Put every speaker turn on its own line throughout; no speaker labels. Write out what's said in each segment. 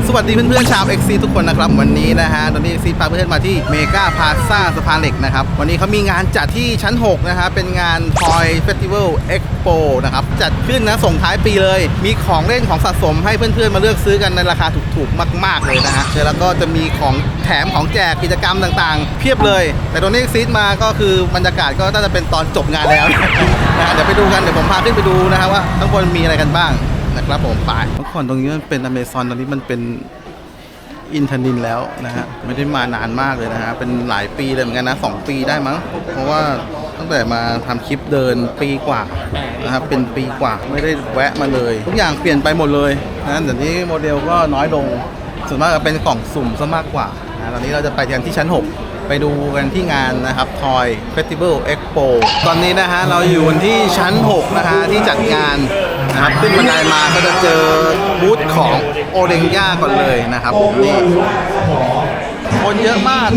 สวัสดีเพื่อนๆชาว XC ทุกคนนะครับวันนี้นะฮะตอนนี้ XC พาเพื่อนมาที่เมกาพลาซ่าสะพานเหล็กนะครับวันนี้เขามีงานจัดที่ชั้น6นะฮะเป็นงาน Toy Festival Expo นะครับจัดขึ้นนะส่งท้ายปีเลยมีของเล่นของสะสมให้เพื่อนๆมาเลือกซื้อกันในราคาถูกๆมากๆเลยนะฮะแล้วก็จะมีของแถมของแจกกิจกรรมต่างๆเพียบเลยแต่ตอนนี้ XC มาก็คือบรรยากาศก็น่าจะเป็นตอนจบงานแล้วนะเดี๋ยวไปดูกันเดี๋ยวผมพาขึ้นไปดูนะฮะว่าข้างบนมีอะไรกันบ้างนะครับผมไปเมื่อก่อนตรงนี้มันเป็นอเมซอนตอนนี้มันเป็นอินทนินแล้วนะฮะไม่ได้มานานมากเลยนะฮะเป็นหลายปีเลยเหมือนกันนะ2 ปีได้มั้งเพราะว่าตั้งแต่มาทำคลิปเดินปีกว่านะครับเป็นปีกว่าไม่ได้แวะมาเลยทุกอย่างเปลี่ยนไปหมดเลยนะเดี๋ยวนี้โมเดลก็น้อยลงส่วนมากจะเป็นกล่องสุ่มซะมากกว่านะตอนนี้เราจะไปกันที่ชั้น6ไปดูกันที่งานนะครับ Toy Festival Expo ตอนนี้นะฮะเราอยู่ที่ชั้น6นะฮะที่จัดงานนะครับขึ้นบันไดมาก็จะเจอบูธของโอเดงย่าก่อนเลยนะครับนี่คนเยอะมาก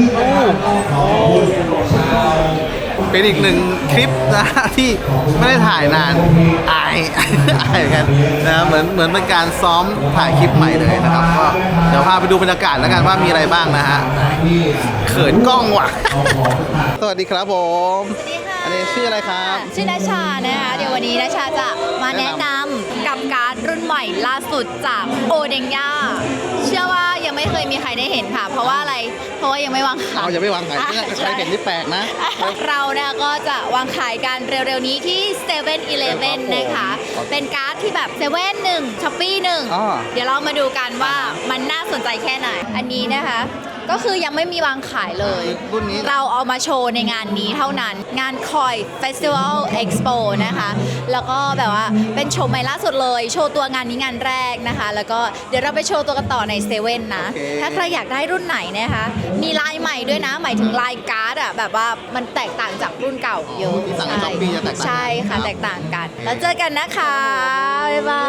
เป็นอีกหนึ่งคลิปนะที่ไม่ได้ถ่ายนานอายกันนะเหมือนเป็นการซ้อมถ่ายคลิปใหม่เลยนะครับก็เดี๋ยวพาไปดูบรรยากาศแล้วกันว่ามีอะไรบ้างนะฮะเขินกล้องว่ะสวัสดีครับผม
สวัสดีค่ะ
อันนี้ชื่ออะไรครับ
ชื่อนาชานะคะเดี๋ยววันนี้นาชาจะมาแนะนำกับการ์ดรุ่นใหม่ล่าสุดจากโอเดงย่าเชื่อว่ายังไม่เคยมีใครได้เห็นค่ะเพราะว่าอะไรเพราะว่ายังไม่วางขาย
อย่าไม่วางขายใครเห็นนี่แปลกนะ
เราเนี่ยก็จะวางขายกันเร็วๆนี้ที่7-Eleven นะคะเป็นการ์ดที่แบบ7-1 Shopee 1เดี๋ยวเรามาดูกันว่ามันน่าสนใจแค่ไหนอันนี้นะคะก็คือยังไม่มีวางขายเลย
รุ่นนี้
เราเอามาโชว์ในงานนี้เท่านั้นงาน Toy Festival Expo นะคะแล้วก็แบบว่าเป็นโชว์ใหม่ล่าสุดเลยโชว์ตัวงานนี้งานแรกนะคะแล้วก็เดี๋ยวเราไปโชว์ตัวกันต่อในเซเว่นนะถ้าใครอยากได้รุ่นไหนนะคะมีลายใหม่ด้วยนะหมายถึงลายการ์ดอะแบบว่ามันแตกต่างจากรุ่นเก่าเยอะใช่ค่ะแตกต่างกันแล้วเจอกันนะคะบ๊ายบาย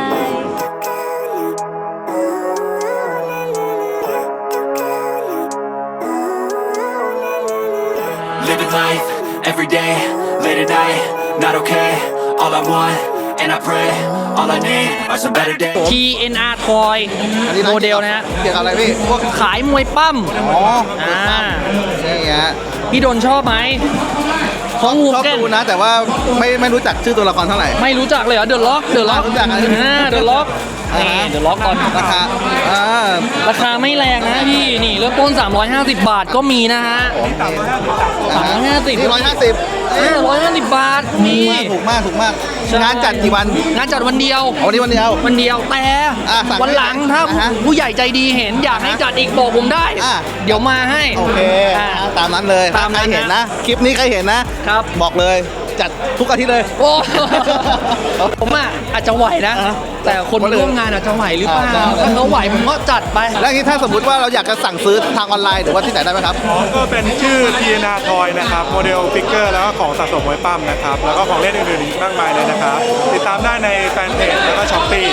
Living life, every day, late at night, not okay. All I want, and I pray, all I need are some better days.
TNR Toy โมเดลนะฮะ
เกี่ยวกับอะไรพี่พวก
ขายมวยปั้ม
นี่ฮะ
พี่ดนชอบไหมของฮู
ชอบ
เก้น
ดูนะแต่ว่าไม่รู้จักชื่อตัวละครเท่าไหร่
ไม่รู้จักเลยเหรอเดอะล็อก
รู้จักอะไร
เดอะล็อกนี่เดอะล็อกก่อน
ราคา
ราคาไม่แรงนะพี่นี่เริ่มต้น350 บาทก็มีนะฮะ350
นี่
150 บาทนี่
ถูกมากงานจัดกี่วัน
งานจัดวันเดียว
วันนี้วันเดียว
แต่
สั่ง
วันหลังถ้าผู้ใหญ่ใจดีเห็นอยากให้จัดอีกบอกผมได้เดี๋ยวมาให้
โอเคตามนั้นเลยถ้าใครเห็นนะคลิปนี้ใครเห็นนะครับบอกเลยจัดทุกอาทิตย์เลย
โอ้ผมอาจจะไหวนะแต่คนร่วมงานอาจจะไหวหรือเปล่าถ้าเขาไหวผมก็จัดไป
แล้วนี้ถ้าสมมติว่าเราอยากจะสั่งซื้อทางออนไลน์หรือว่าที่ไหนได้ไหมครับ
ก็เป็นชื่อ TNR Toy นะครับโมเดลฟิกเกอร์แล้วก็ของสะสมมวยปั้มนะครับแล้วก็ของเล่นอื่นๆอีกมากมายเลยนะครับติดตามได้ในแฟนเพจแล้วก็ช้อปปี้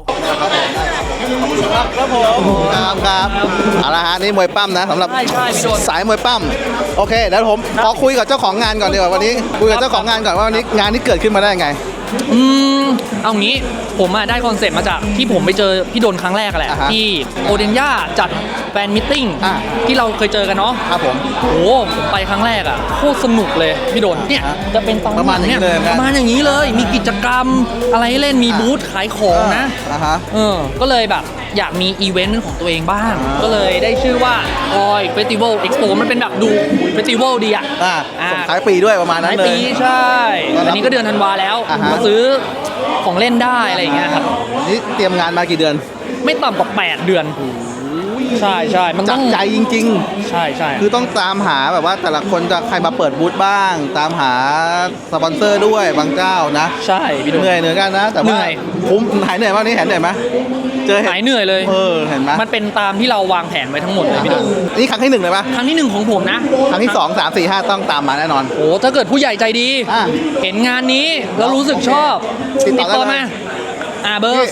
ครับผมครับเอาละฮะนี่มวยปั้มนะสำหรับสายมวยปั้มโอเคเดี๋ยวผมขอคุยกับเจ้าของงานก่อนดีกว่าวันนี้คุยกับเจ้าของงานก่อนว่าวันนี้งานนี้เกิดขึ้นมาได้ยังไง
เอางี้ผมได้คอนเซ็ปต์มาจากที่ผมไปเจอพี่ดนครั้งแรกแหละที่โอเดนย่าจัดแฟนมิทติ้งที่เราเคยเจอกันเนาะ
ครับผม
โอ้ผมไปครั้งแรกโคตรสนุกเลยพี่ดนเนี่ยจะเป็นตอน
ประมาณนี้เลย
ประมาณอย่างนี้เลยมีกิจกรรมอะไรให้เล่นมีบูธขายของนะก็เลยแบบอยากมีอีเวนต์ของตัวเองบ้างก็เลยได้ชื่อว่า Toy Festival Expo มันเป็นแบบดูเฟสติวัลดี
ส่งท้ายปีด้วยประมาณนั้นเลย
ปีใช่อันนี้ก็เดือนธันวาแล้วมาซื้อของเล่นได้อะไรอย่างเงี้ยครับ
นี่เตรียมงานมากี่เดือน
ไม่ต่ำกว่า8 เดือนใช่มันต้อง
ใจจริงๆ
ใช่
คือต้องตามหาแบบว่าแต่ละคนจะใครมาเปิดบูธบ้างตามหาสปอนเซอร์ด้วยบางเจ้านะ
ใช่
เหนื่อยกันนะแต่ว่าคุ้มหายเหนื่อยมากนี่เห็นเหนื่อยไหม
เจอหายเหนื่อยเลย
เห็นไหม
มันเป็นตามที่เราวางแผนไว้ทั้งหมดเลยพี่ดน
นี่ครั้งที่1เลยปะ
ครั้งที่1ของผมนะ
ครั้งที่2 3 4 5ต้องตามมาแน่นอน
โอ้ถ้าเกิดผู้ใหญ่ใจดีเห็นงานนี้แล้วรู้สึกชอบติดต่อมาเบอร์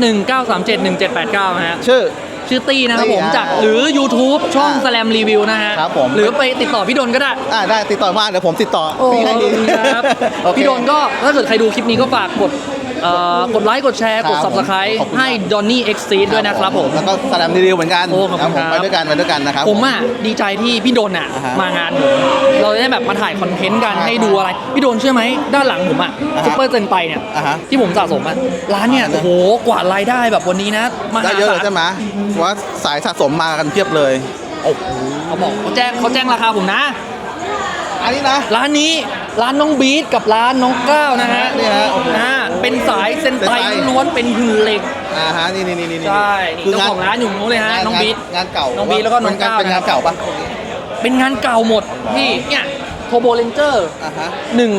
0819371789นะฮะชื่อตี้นะครับผมจากหรือ YouTube ช่อง Slam Review นะฮะหรือไปติดต่อพี่ดนก็ได้
ได้ติดต่อมาเดี๋ยวผมติดต่อพี่ให้ดี
ครับพี่ดนก็ถ้าเกิดใครดูคลิปนี้ก็ฝากกดกดไลค์กดแชร์กด subscribe
ขอบคุณ
ให้ Donny Exceed ด้วยนะครับผม
แล้วก็แสดงรีวิวเหมือนกัน
โอ้ขอบคุณ
ผม
ครับ
ไปด้วยกันนะครับ
ผมอ่ะดีใจที่พี่โดนอ่ะ
อ่าฮะ
มางานผมเราได้แบบมาถ่ายคอนเทนต์กัน
อ่าฮะ
ให้ดูอะไร พี่โดนเชื่อไหมด้านหลังผมอ่ะ
อ่าฮะ
ซุปเปอร์เซนไตเนี่ย
อ่าฮะ
ที่ผมสะสมอ่ะร้านเนี่ย
อ่าฮะ
โอ้โหกว่ารายได้แบบวันนี้นะม
ได้
หา
เยอะ
ศา
เลย
ล
ใช่ไหมว่าสายสะสมมากันเพียบเลย
เขาบอกเขาแจ้งราคาผมนะ
อันนี้นะ
ร้านนี้ร้านน้องบีทกับร้านน้องก้าวนะฮะ
นี่ฮะ
เป็นสายเซนไต
เซนไต
ล้วนเป็นหุ่นเหล็ก
ฮะนี่
ใช่นี่เจ้าของร้านอยู่นู้นเลยฮะน้องบีท
งานเก่า
น้องบีทแล้วก็น้องก้าว
เป็นงานเก่าปะ
เป็นงานเก่าหมดพี่เนี่ยโทโบเลนเจอร์
อ่าฮะ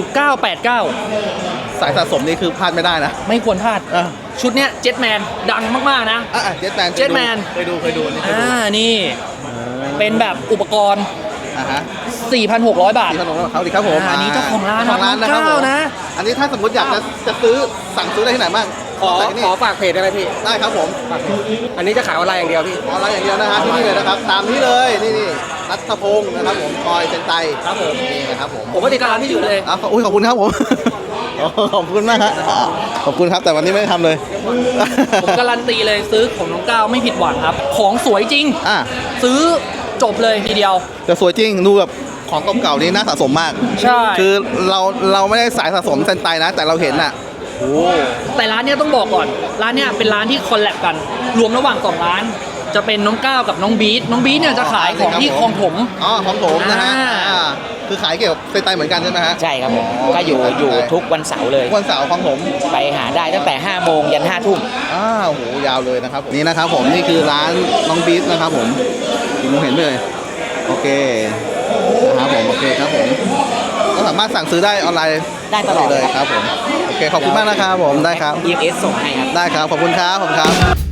1989
สายสะสมนี่คือพลาดไม่ได้นะ
ไม่ควรพลาด
อ่ะ
ชุดเนี้ยเจ็ตแมนดังมากๆนะ
เจ็ตแมน
Jetman
เคยดูนี่เคยดู
นี่ เป็นแบบอุปกรณ์
อ่าฮะ
4,600 บาท
ที่ขนมเขาดิครับผม
อันนี้เจ้าของร้าน
เจ้ของร้านนะครับผม
นะ
อันนี้ถ้าสมมติอยากจะซื้อสั่งซื้อได้ที่ไหนบ้างใส่ที่นี่
ขอฝากเพจได้ไหมพี่
ได้ครับผม
อันนี้จะขายออนไลน์อย่างเดียวพี่
ออนไลน์อย่างเดียวนะฮะที่นี่เลยนะครับ ตามนี้เลยนี่รัตพงศ์นะครับผมคอยเซนไต
ครับผม
นี่นะครับผม
ผมก็ติดตามพี่อยู่เลย
อุ้ยขอบคุณครับผม ขอบคุณมากครับขอบคุณครับแต่วันนี้ไม่ได้ทำเลย
ผมการันตีเลยซื้อของน้องก้าวไม่ผิดหวังครับ ของสวยจริง
อ่ะ
ซื้อจบเลยทีเดียว
แต่สวยจริงดูแบบของเก่าๆนี่น่าสะสมมาก
ใช่
คือเราไม่ได้สายสะสมเซนไตนะ แต่เราเห็นน่ะโอ้
แต่ร้านเนี้ยต้องบอกก่อน ร้านเนี้ยเป็นร้านที่คอลแลบกัน รวมระหว่าง2ร้าน จะเป็นน้องก้าวกับน้องบีทน้องบีทเนี่ยจะขายของที่คลองถม
อ๋อของผมนะฮะ
อ่า
คือขายเกี่ยวกับเซนไตเหมือนกันใช่ไหมฮะ
ใช่ครับผม ก็อยู่ทุกวันเสาร์เลย
วันเสาร์ของผม
ไปหาได้ตั้งแต่ 5 โมงยัน 5 ทุ่ม
โอ้โหยาวเลยนะครับนี่นะครับผมนี่คือร้านน้องบีทนะครับผมมองเห็นไหมเลยโอเคนะครับผมโอเคครับผมก็สามารถสั่งซื้อได้ออนไลน์
ได้ตลอด
เลยครับผมโอเคขอบคุณมากนะครับผมได้ครับ
EMS ส่งให้ครับ
ได้ครับขอบคุณครับผมครับ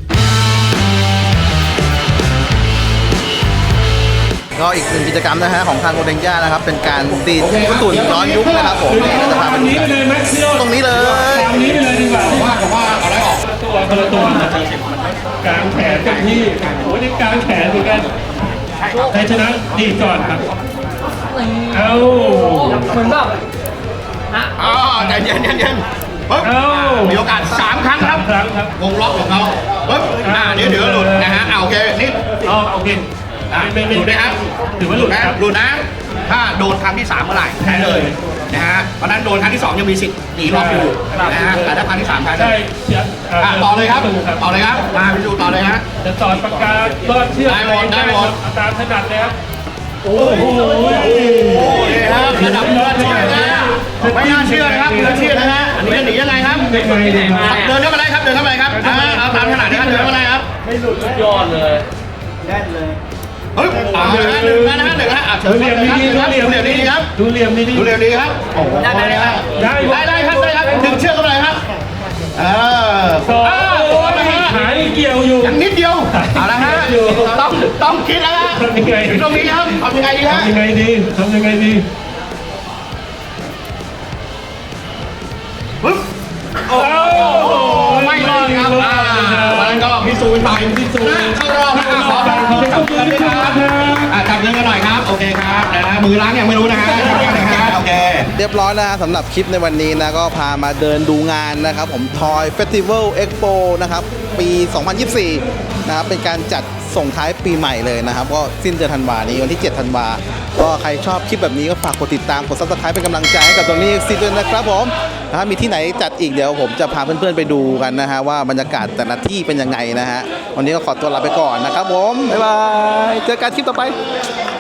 ก็อีกหนึ่งกิจกรรมนะฮะของทางโกเด้งย่านะครับเป็นการตีญี่ปุ่นย้อนยุคนะครับผมนี่เราจะพาไปดูตรงนี้เลย
คนละตัวกลางแขนกับที่โอ้ยนี่กลางแขนเหมือนกันใครชนะดีก่อนครับ เอา
เหมือนแบบ
ใจเย็นปึ๊บ
เอา
มีโอกาส3 ครั้งครับ
ครั้งครับ
วงล็อกของเขาปึ๊บเดี๋ยวหลุดนะฮะโอเคนี่
เอาโอเคไม่
หลุดนะครับ
ถือว่าหลุดครับ
หลุดนะถ้าโดนครั้งที่3เมื่อไหร่แพ้เลยนะฮะเพราะนั้นโดนครั้งที่2ยังมีสิทธิ์หนีรอบอยู่นะฮะแต่ถ้าครั้งที่3แพ้เล
ใช่
ย
เชียร์
ต่อเลยครับต่อเลยครับมาพิสูจน์ต่อเลยฮะ
จะสอนปากกาลอดเชือก
ได้หมด
ตามถนัดเลยครับโอ้โห
โอ้ยครับระดับมืออาชีพนะไม่น่าเชื่อนะครับมืออาชีพนะฮะอันนี้จะหนียังไงครับ
ไม่เคยเลยมา
เดินเข้ามาเลยครับเดินเข้ามาเลยครับเอาตามขนาดนี้ครับเดินเข้ามาเลยครับ
ไม่หลุดสุดยอดเลย
เฮ้ยหนึ่งนะฮะเชิญ
ดูเหลี่ยมดีๆ
ครับดูเหลี่ยมดีครับ
ดูเหลี่ยมดี
ดูเหลี่ยมดีครับโอ้โหได้ครับ
ได้
ได้ครับดึงเชือกเข้าไปเลยครับ
สอง
โอ้ยฮะ
หายเกี่ยวอยู่
ยังนิดเดียวเอาละฮะต้องคิดแล้วฮะ
ทำยังไง
ตรงนี้ครับทำยังไงดีฮะ
ทำยังไงดีทำยังไงดี
ปึ๊บโอ้ไม่รอดครับมันก็พิสูจน์ไปเข้ารอบนะขอจับเงินด้วยครับจับเงินกันหน่อยครับโอเคครับนะมือล้างยังไม่รู้นะฮะโอเค
เรียบร้อยแล้วนะสำหรับคลิปในวันนี้นะก็พามาเดินดูงานนะครับผม Toy Festival Expo นะครับปี 2024 นะครับเป็นการจัดส่งท้ายปีใหม่เลยนะครับก็สิ้นเดือนธันวานี้วันที่ 7 ธันวาก็ใครชอบคลิปแบบนี้ก็ฝากกดติดตามกด Subscribe เป็นกำลังใจให้กับตรงนี้ซีด้วยนะครับผมนะครับมีที่ไหนจัดอีกเดี๋ยวผมจะพาเพื่อนๆไปดูกันนะฮะว่าบรรยากาศแต่ละที่เป็นยังไงนะฮะวันนี้ก็ขอตัวลาไปก่อนนะครับผมบ๊ายบายเจอกันคลิปต่อไป